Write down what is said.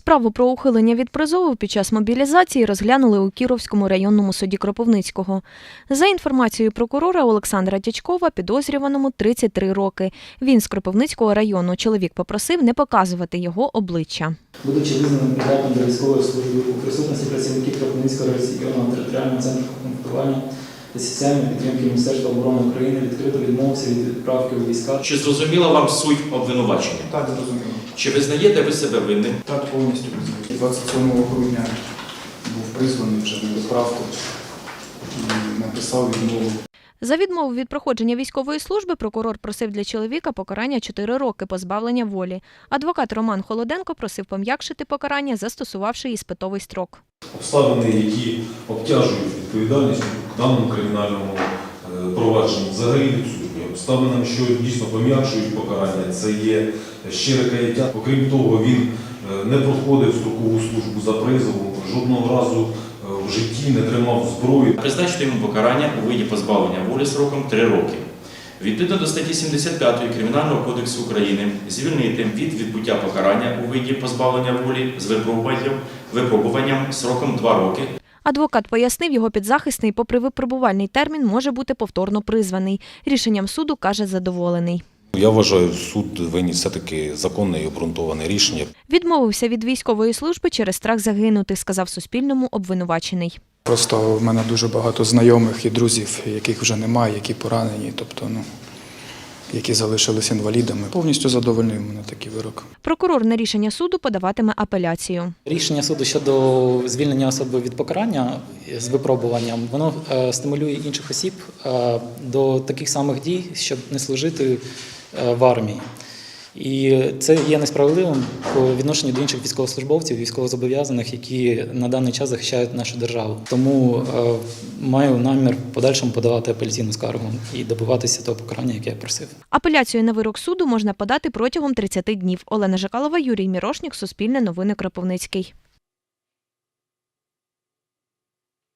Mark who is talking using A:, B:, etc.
A: Справу про ухилення від призову під час мобілізації розглянули у Кіровському районному суді Кропивницького. За інформацією прокурора Олександра Дячкова, підозрюваному 33 роки. Він з Кропивницького району. Чоловік попросив не показувати його обличчя.
B: Будучи визнаним придатним до військової служби у присутності працівників Кропивницького районного територіального центру комплектування та соціальної підтримки Міністерства оборони України відкрито відмовився від відправки у війська.
C: Чи зрозуміла вам суть обвинувачення?
D: Так, зрозуміло.
C: Чи визнаєте ви себе винним?
D: Так, повністю визнаю. 27 грудня був призваний вже на відправку і написав відмову.
A: За відмову від проходження військової служби прокурор просив для чоловіка покарання 4 роки позбавлення волі. Адвокат Роман Холоденко просив пом'якшити покарання, застосувавши іспитовий строк.
E: Обставини, які обтяжують відповідальність у даному кримінальному провадженні, взагалі відсутні. Обставинами, що дійсно пом'якшують покарання, це є щире каяття. Окрім того, він не проходив строкову службу за призовом, жодного разу в житті не тримав зброю.
C: Призначити йому покарання у виді позбавлення волі сроком 3 роки. Відповідно до статті 75 Кримінального кодексу України звільнити від відбуття покарання у виді позбавлення волі з випробуванням сроком 2 роки.
A: Адвокат пояснив, його підзахисний, попри випробувальний термін, може бути повторно призваний. Рішенням суду, каже, задоволений.
F: Я вважаю, суд виніс все-таки законне і обґрунтоване рішення.
A: Відмовився від військової служби через страх загинути, сказав Суспільному обвинувачений.
D: Просто в мене дуже багато знайомих і друзів, яких вже немає, які поранені, тобто, які залишились інвалідами. Повністю задовольнив мене такий вирок.
A: Прокурор на рішення суду подаватиме апеляцію.
G: Рішення суду щодо звільнення особи від покарання з випробуванням, воно стимулює інших осіб до таких самих дій, щоб не служити в армії. І це є несправедливим по відношенню до інших військовослужбовців, військовозобов'язаних, які на даний час захищають нашу державу. Тому маю намір в подальшому подавати апеляційну скаргу і добиватися того покарання, яке я просив.
A: Апеляцію на вирок суду можна подати протягом 30 днів. Олена Жакалова, Юрій Мірошнік, Суспільне новини, Кропивницький.